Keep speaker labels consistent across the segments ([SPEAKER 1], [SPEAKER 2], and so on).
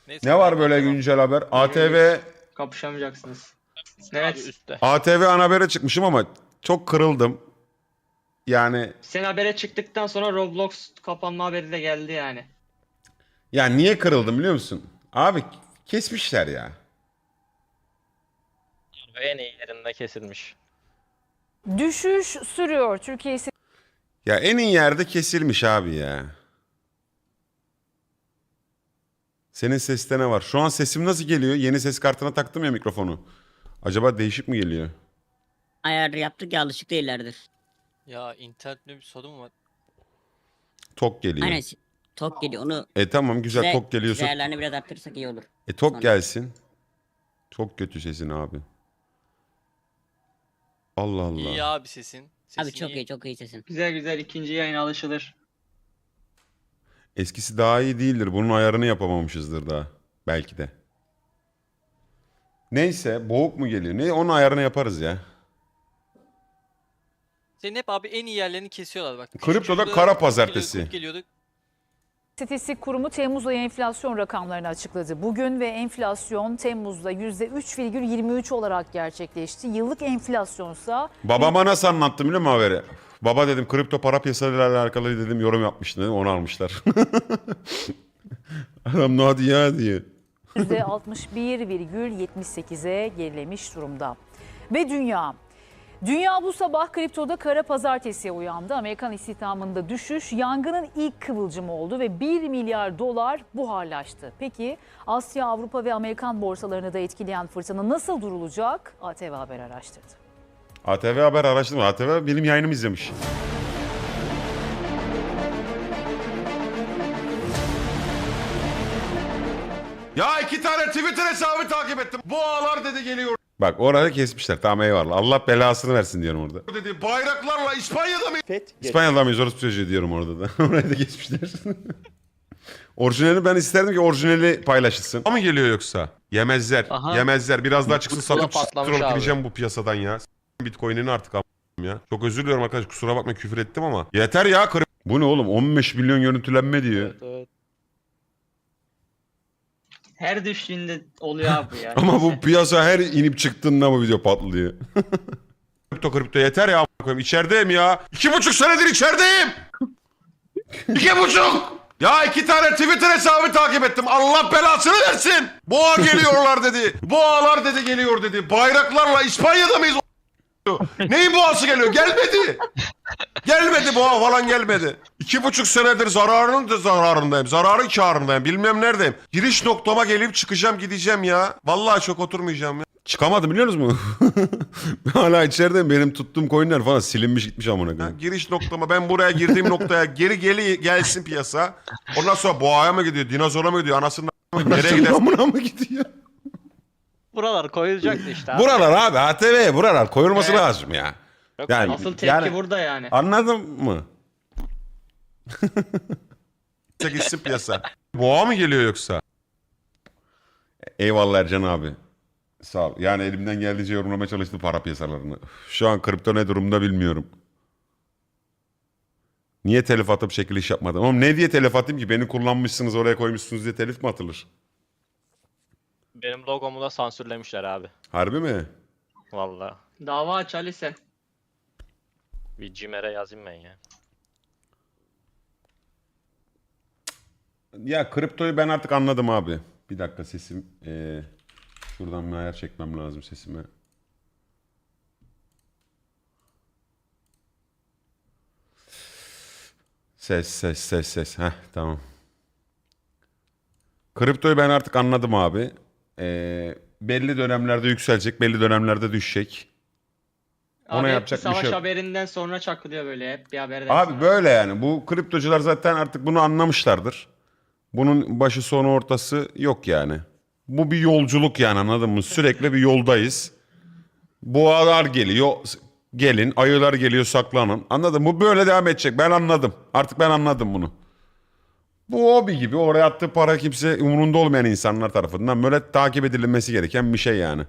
[SPEAKER 1] Neyse,
[SPEAKER 2] Ne var
[SPEAKER 1] abi,
[SPEAKER 2] böyle
[SPEAKER 1] devam.
[SPEAKER 2] güncel haber? ATV
[SPEAKER 3] Kapışamayacaksınız.
[SPEAKER 1] Abi
[SPEAKER 3] Evet.
[SPEAKER 1] üstte.
[SPEAKER 2] ATV ana habere çıkmışım ama çok kırıldım. Yani
[SPEAKER 3] Sen habere çıktıktan sonra Roblox kapanma haberi de geldi yani.
[SPEAKER 2] niye kırıldım biliyor musun? Abi kesmişler ya.
[SPEAKER 1] En iyi yerinde kesilmiş.
[SPEAKER 4] Düşüş sürüyor. Türkiye
[SPEAKER 2] Ya en iyi yerde kesilmiş abi ya. Senin seste ne var? Şu an sesim nasıl geliyor? Yeni ses kartına taktım ya mikrofonu. Acaba değişik mi geliyor?
[SPEAKER 5] Ayar yaptık ya, alışık değillerdir.
[SPEAKER 1] Ya internette bir sorun var.
[SPEAKER 2] Tok geliyor.
[SPEAKER 5] Aynen, tok geliyor onu.
[SPEAKER 2] Tamam güzel tok geliyorsa.
[SPEAKER 5] Değerlerini biraz arttırırsak iyi olur.
[SPEAKER 2] Tok
[SPEAKER 5] Sonra.
[SPEAKER 2] gelsin. Çok kötü sesin abi. Allah Allah.
[SPEAKER 1] İyi abi sesin. Sesin
[SPEAKER 5] Abi çok iyi, çok iyi sesin.
[SPEAKER 3] Güzel güzel ikinci yayına alışılır.
[SPEAKER 2] Eskisi daha iyi değildir. Bunun ayarını yapamamışızdır daha. Belki de. Neyse boğuk mu geliyor? Ne? Onun ayarını yaparız ya.
[SPEAKER 1] Senin hep abi en iyi yerlerini kesiyorlar bak.
[SPEAKER 2] Kriptoda
[SPEAKER 1] Şurada
[SPEAKER 2] kara
[SPEAKER 1] kurt
[SPEAKER 2] pazartesi.
[SPEAKER 1] geliyordu.
[SPEAKER 4] İstatistik Kurumu Temmuz ayı enflasyon rakamlarını açıkladı. Bugün ve enflasyon Temmuz'da %3,23 olarak gerçekleşti. Yıllık enflasyonsa
[SPEAKER 2] Babama nasıl anlattım biliyor musun haberi? Baba dedim kripto para piyasalarıyla alakalı dedim yorum yapmıştı dedim onu almışlar. Adam ne hadi ya diye.
[SPEAKER 4] %61,78'e gerilemiş durumda. Ve Dünya bu sabah kriptoda kara pazartesiye uyandı. Amerikan istihdamında düşüş yangının ilk kıvılcımı oldu ve 1 milyar dolar buharlaştı. Peki Asya, Avrupa ve Amerikan borsalarını da etkileyen fırtına nasıl durulacak? ATV Haber araştırdı.
[SPEAKER 2] ATV Haber araştırma. ATV benim yayınımı izlemiş. Ya 2 tane Twitter hesabı takip ettim. Boğalar dedi geliyor. Bak orada kesmişler. Tamam eyvallah. Allah belasını versin diyorum orada. Dedi bayraklarla İspanya'da mı? İspanya'da mıyız? Orası çocuğu diyorum orada da. Orayı da kesmişler. Orijinali ben isterdim ki orijinali paylaşılsın. Ama geliyor yoksa? Yemezler.
[SPEAKER 1] Aha.
[SPEAKER 2] Yemezler. Biraz daha çıksın
[SPEAKER 1] Kusura
[SPEAKER 2] satıp
[SPEAKER 1] patlamış
[SPEAKER 2] troll
[SPEAKER 1] abi.
[SPEAKER 2] gireceğim bu piyasadan ya. Bitcoin'ini artık ya. Çok özür diliyorum arkadaş. Kusura bakma küfür ettim ama. Yeter ya. Bu ne oğlum? 15 milyon görüntülenme diyor.
[SPEAKER 1] Evet.
[SPEAKER 3] Her düştüğünde oluyor abi bu ya.
[SPEAKER 2] Ama bu
[SPEAKER 3] Neyse.
[SPEAKER 2] piyasa her inip çıktığında bu video patlıyor. kripto yeter ya. İçerideyim ya. 2,5 senedir içerideyim. 2,5. Ya 2 tane Twitter hesabı takip ettim. Allah belasını versin. Boğa geliyorlar dedi. Boğalar dedi geliyor dedi. Bayraklarla İspanya'da mıyız? Neyin boğası geliyor? Gelmedi. Gelmedi boğa falan gelmedi. 2,5 senedir zararının da zararındayım. Zararın kârındayım. Bilmem neredeyim. Giriş noktama gelip çıkacağım gideceğim ya. Vallahi çok oturmayacağım ya. Çıkamadım biliyor musunuz? Hala içerideyim. Benim tuttuğum coinler falan silinmiş gitmiş amına koyayım. Giriş noktama ben buraya girdiğim noktaya geri gelsin piyasa. Ondan sonra boğaya mı gidiyor? Dinozora mı gidiyor? Anasının nereye gider? Amına mı gidiyor?
[SPEAKER 1] Buralar koyulacaktı işte abi.
[SPEAKER 2] Buralar abi ATV buralar koyulması
[SPEAKER 3] Evet.
[SPEAKER 2] lazım ya.
[SPEAKER 1] Yok,
[SPEAKER 2] Yani,
[SPEAKER 3] Asıl tepki burada yani.
[SPEAKER 2] Anladın mı? Gitsin piyasa. Boğa mı geliyor yoksa? Eyvallah Ercan abi. Sağ ol. Yani elimden geldiğince yorumlamaya çalıştım para piyasalarını. Şu an kripto ne durumda bilmiyorum. Niye telif atıp çekiliş yapmadım? Oğlum ne diye telif atayım ki? Beni kullanmışsınız oraya koymuşsunuz diye telif mi atılır?
[SPEAKER 1] Benim logomu da sansürlemişler abi.
[SPEAKER 2] Harbi mi?
[SPEAKER 1] Vallahi.
[SPEAKER 3] Dava aç Ali sen.
[SPEAKER 1] Bir CİMER'e yazayım ben ya.
[SPEAKER 2] Ya kriptoyu ben artık anladım abi. Bir dakika sesim. Şuradan bir ayar çekmem lazım sesime. Ses. Heh tamam. Kriptoyu ben artık anladım abi. Belli dönemlerde yükselecek, belli dönemlerde düşecek. Ona
[SPEAKER 3] Abi hep
[SPEAKER 2] yapacak bir
[SPEAKER 3] savaş
[SPEAKER 2] şey yok.
[SPEAKER 3] haberinden sonra çakılıyor böyle hep bir haberden
[SPEAKER 2] Abi
[SPEAKER 3] sonra.
[SPEAKER 2] böyle yani. Bu kriptocular zaten artık bunu anlamışlardır. Bunun başı sonu ortası yok yani. Bu bir yolculuk yani anladın mı? Sürekli bir yoldayız. Boğalar geliyor, gelin. Ayılar geliyor, saklanın. Anladın mı? Bu böyle devam edecek. Ben anladım. Artık ben anladım bunu. Bu hobi gibi. Oraya attığı para kimse umurunda olmayan insanlar tarafından böyle takip edilmesi gereken bir şey yani.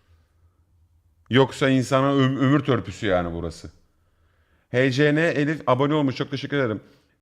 [SPEAKER 2] Yoksa insana ömür törpüsü yani burası. HCN Elif abone olmuş. Çok teşekkür ederim.